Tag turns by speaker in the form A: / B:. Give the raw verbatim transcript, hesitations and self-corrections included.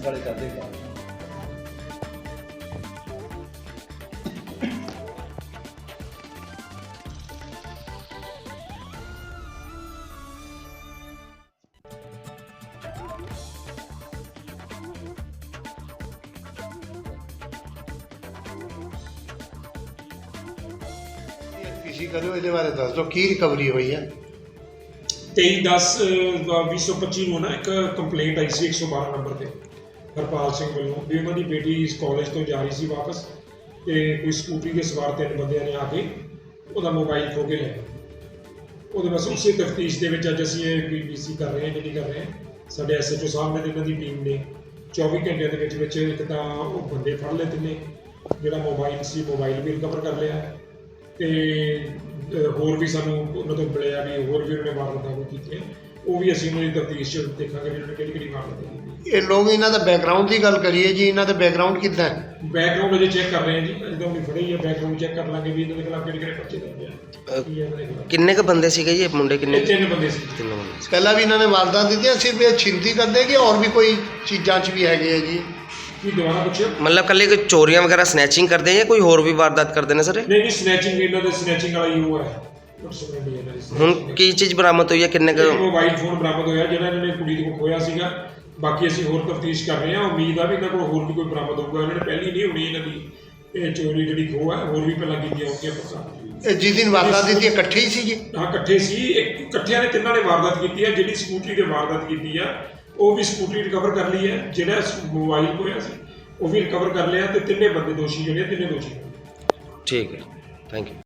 A: Police ਵਾਲੇ ਕਰਦੇ ਕੰਮ।
B: ਪੀਸੀ ਕਰਿਓ, ਇਹਦੇ ਬਾਰੇ ਦੱਸ ਦਿਓ ਕੀ ਰਿਕਵਰੀ ਹੋਈ ਹੈ।
C: ਤੇਈ ਦਸ ਵੀਹ ਸੌ ਪੱਚੀ ਨੂੰ ਨਾ ਇੱਕ ਕੰਪਲੇਂਟ ਆਈ ਸੀ ਇੱਕ ਸੌ ਬਾਰਾਂ ਨੰਬਰ 'ਤੇ ਹਰਪਾਲ ਸਿੰਘ ਵੱਲੋਂ ਵੀ ਉਹਨਾਂ ਦੀ ਬੇਟੀ ਇਸ ਕਾਲਜ ਤੋਂ ਜਾ ਰਹੀ ਸੀ ਵਾਪਸ ਅਤੇ ਕੋਈ ਸਕੂਟਰੀ ਦੇ ਸਵਾਰ ਤਿੰਨ ਬੰਦਿਆਂ ਨੇ ਆ ਕੇ ਉਹਦਾ ਮੋਬਾਈਲ ਖੋਹ ਕੇ ਲੈ ਗਏ। ਉਹਦੇ ਬਸ ਉਸੇ ਤਫਤੀਸ਼ ਦੇ ਵਿੱਚ ਅੱਜ ਅਸੀਂ ਇਹ ਪੀ ਪੀ ਸੀ ਕਰ ਰਹੇ ਹਾਂ ਜਿਹੜੀ ਕਰ ਰਹੇ ਹਾਂ। ਸਾਡੇ ਐਸ ਐਚ ਓ ਸਾਹਿਬ ਨੇ ਤੇ ਇਹਨਾਂ ਦੀ ਟੀਮ ਨੇ ਚੌਵੀ ਘੰਟਿਆਂ ਦੇ ਵਿੱਚ ਵਿੱਚ ਇੱਕ ਤਾਂ ਉਹ ਬੰਦੇ ਫੜ ਲਏ ਤਿੰਨੇ, ਜਿਹੜਾ ਮੋਬਾਈਲ ਸੀ ਮੋਬਾਈਲ ਵੀ ਰਿਕਵਰ ਕਰ ਲਿਆ ਅਤੇ ਹੋਰ ਵੀ ਸਾਨੂੰ ਉਹਨਾਂ ਤੋਂ ਮਿਲਿਆ ਵੀ ਹੋਰ ਵੀ ਉਹਨਾਂ ਨੇ ਵਾਰਦਾਤਾਂ ਕੋਈ ਕੀਤੀਆਂ, ਉਹ ਵੀ ਅਸੀਂ ਉਹਨਾਂ ਦੀ ਤਫਤੀਸ਼ 'ਚ ਦੇਖਾਂਗੇ ਵੀ ਉਹਨਾਂ ਨੇ ਕਿਹੜੀ ਕਿਹੜੀ ਵਾਰਦਾਤਾਂ ਕੀਤੀ।
B: ਇਹ ਲੋਕ ਇਹਨਾਂ ਦਾ ਬੈਕਗਰਾਊਂਡ ਦੀ ਗੱਲ ਕਰੀਏ ਜੀ, ਇਹਨਾਂ ਦਾ ਬੈਕਗਰਾਊਂਡ ਕਿੱਦਾਂ ਹੈ?
C: ਬੈਕਗਰਾਊਂਡ ਅਜੇ ਚੈੱਕ ਕਰ ਰਹੇ ਹਾਂ ਜੀ, ਜਦੋਂ ਵੀ ਫੜੇ ਹੀ ਆ ਬੈਕਗਰਾਊਂਡ ਚੈੱਕ ਕਰ ਲਾਂਗੇ ਵੀ ਇਹਨਾਂ ਦੇ ਖਿਲਾਫ ਕਿਹੜੇ ਕਿਹੜੇ ਪਰਚੇ ਦਰਜ ਆ ਕੀ ਹੈ ਇਹਨਾਂ ਦੇ ਖਿਲਾਫ।
D: ਕਿੰਨੇ ਕ ਬੰਦੇ ਸੀਗੇ ਜੀ ਇਹ ਮੁੰਡੇ ਕਿੰਨੇ?
C: ਇਹ ਤਿੰਨ ਬੰਦੇ ਸੀ।
D: ਤਿੰਨ ਬੰਦੇ ਸੀ।
B: ਪਹਿਲਾਂ ਵੀ ਇਹਨਾਂ ਨੇ ਵਾਰਦਾਤ ਦਿੱਤੀਆਂ, ਸਿਰਫ ਇਹ ਛਿੰਤੀ ਕਰਦੇ ਕਿ ਹੋਰ ਵੀ ਕੋਈ ਚੀਜ਼ਾਂ 'ਚ ਵੀ ਹੈਗੇ ਆ ਜੀ?
C: ਕੀ ਦੁਬਾਰਾ ਪੁੱਛਿਓ?
D: ਮਤਲਬ ਕੱਲੇ ਕੋਈ ਚੋਰੀਆਂ ਵਗੈਰਾ ਸਨੈਚਿੰਗ ਕਰਦੇ ਆ ਜਾਂ ਕੋਈ ਹੋਰ ਵੀ ਵਾਰਦਾਤ ਕਰਦੇ ਨੇ ਸਰ?
C: ਨਹੀਂ ਨਹੀਂ ਸਨੈਚਿੰਗ ਇਹਨਾਂ ਦੇ ਸਨੈਚਿੰਗ ਵਾਲਾ ਹੀ ਉਹ ਹੈ।
D: ਹੁਣ ਕੀ ਚੀਜ਼ ਬਰਾਮਦ ਹੋਈ ਹੈ? ਕਿੰਨੇ ਕ
C: ਮੋਬਾਈਲ ਫੋਨ ਬਰਾਮਦ ਹੋਇਆ ਜਿਹੜਾ ਇਹਨਾਂ ਨੇ ਕੁੜੀ ਦੇ ਕੋਲ ਖੋਇਆ ਸੀਗਾ। ਬਾਕੀ ਅਸੀਂ ਹੋਰ ਤਫਤੀਸ਼ ਕਰ ਰਹੇ ਹਾਂ, ਉਮੀਦ ਆ ਵੀ ਇਹਨਾਂ ਕੋਲ ਹੋਰ ਵੀ ਕੋਈ ਬਰਾਮਦ ਹੋਊਗਾ। ਇਹਨਾਂ ਨੇ ਪਹਿਲੀ ਨਹੀਂ ਹੋਣੀ ਇਹਨਾਂ ਦੀ ਇਹ ਚੋਰੀ ਜਿਹੜੀ ਖੋਹ ਹੈ, ਹੋਰ ਵੀ ਪਹਿਲਾਂ ਕੀਤੀਆਂ ਹੋਣਗੀਆਂ ਪਤਾ।
B: ਇਹ ਜਿਸ ਦਿਨ ਵਾਰਦਾਤ ਦਿੱਤੀ ਇਕੱਠੇ ਹੀ ਸੀ ਜੀ?
C: ਹਾਂ ਇਕੱਠੇ ਸੀ, ਇੱਕ ਇਕੱਠਿਆਂ ਨੇ ਤਿੰਨਾਂ ਨੇ ਵਾਰਦਾਤ ਕੀਤੀ ਹੈ। ਜਿਹੜੀ ਸਕੂਟਰੀ 'ਤੇ ਵਾਰਦਾਤ ਕੀਤੀ ਆ ਉਹ ਵੀ ਸਕੂਟਰੀ ਰਿਕਵਰ ਕਰ ਲਈ ਹੈ, ਜਿਹੜਾ ਮੋਬਾਈਲ ਖੋਇਆ ਸੀ ਉਹ ਵੀ ਰਿਕਵਰ ਕਰ ਲਿਆ, ਅਤੇ ਤਿੰਨੇ ਬੰਦੇ ਦੋਸ਼ੀ ਜਿਹੜੇ ਤਿੰਨੇ ਦੋਸ਼ੀ।
D: ਠੀਕ ਹੈ, ਥੈਂਕ ਯੂ।